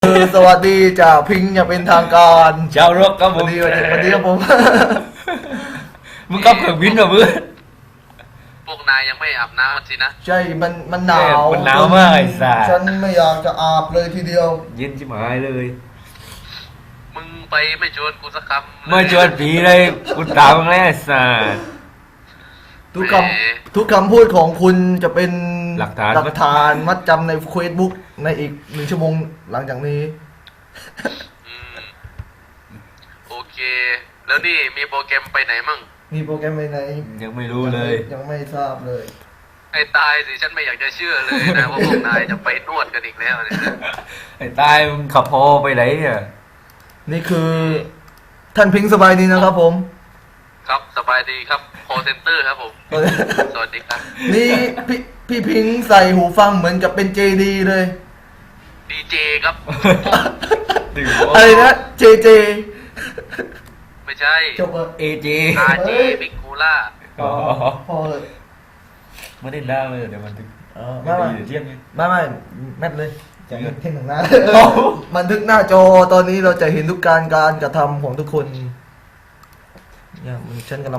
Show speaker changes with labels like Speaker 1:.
Speaker 1: สวัสดีจากพิงอย่าเป็นทางการ
Speaker 2: ชาวร็อกครับผ
Speaker 1: วัน
Speaker 2: ม
Speaker 1: นี้ครับผม
Speaker 2: มึงกับเครื่องบินเหรอมึง
Speaker 3: พวกนายยังไม่อาบน้ำสินะ
Speaker 1: ใช่มันหนาว
Speaker 2: มันหนาวมากไอ้สัส
Speaker 1: ฉันไม่อยากจะอาบเลยทีเดียว
Speaker 2: เย็นชิบหายเลย
Speaker 3: มึงไปไม่ชวนกูสักคำ
Speaker 2: ไม่ชวนผีเลยกูตามมึงแล้วไอ้สัส
Speaker 1: ทุกคำพูดของคุณจะเป็น
Speaker 2: หลักฐาน
Speaker 1: มัดจำในเฟซบุ๊กในอีก1 ชั่วโมงหลังจากนี้
Speaker 3: อืมโอเค แล้วนี่มีโปรแกรมไปไหนมั่ง
Speaker 1: มีโปรแกรมไปไหน
Speaker 2: ยังไม่รู้เลย
Speaker 1: ยังไม่ทราบเลย
Speaker 3: ไอ้ตายสิฉันไม่อยากจะเชื่อเลยนะว่าพวกนายจะไปนวดกันอีกแล้วเนี่ยนะ
Speaker 2: ไอ้ตายมึงขับพอไปไหนเนี่ย
Speaker 1: นี่คือท่านพิงสบายดีนะครับผม
Speaker 3: ครับสบายดีครับ call center ครับผม สวัสดีครับ
Speaker 1: นี่พี่พิงใส่หูฟังเหมือนกับเป็นเจดีเลย
Speaker 3: ดีเจครับ
Speaker 1: อะไรนะเจ
Speaker 3: ไม่ใช่
Speaker 1: จบเลย
Speaker 2: เอเจ
Speaker 3: RJ บิ๊กคูล่า
Speaker 2: อ๋อ
Speaker 1: พอเลย
Speaker 2: ไม่ได้ด่าเลยเดี๋ยวมันถึง
Speaker 1: ไม่ไม่
Speaker 2: เดี๋ยวเที่ยงไง
Speaker 1: ไม่แมทเลย
Speaker 2: จริงเหรอ
Speaker 1: เท่งหนึ่งหน้ามันทึกหน้าจอตอนนี้เราจะเห็นทุกการกระทำของทุกคนเนี่ยมันฉันกำลัง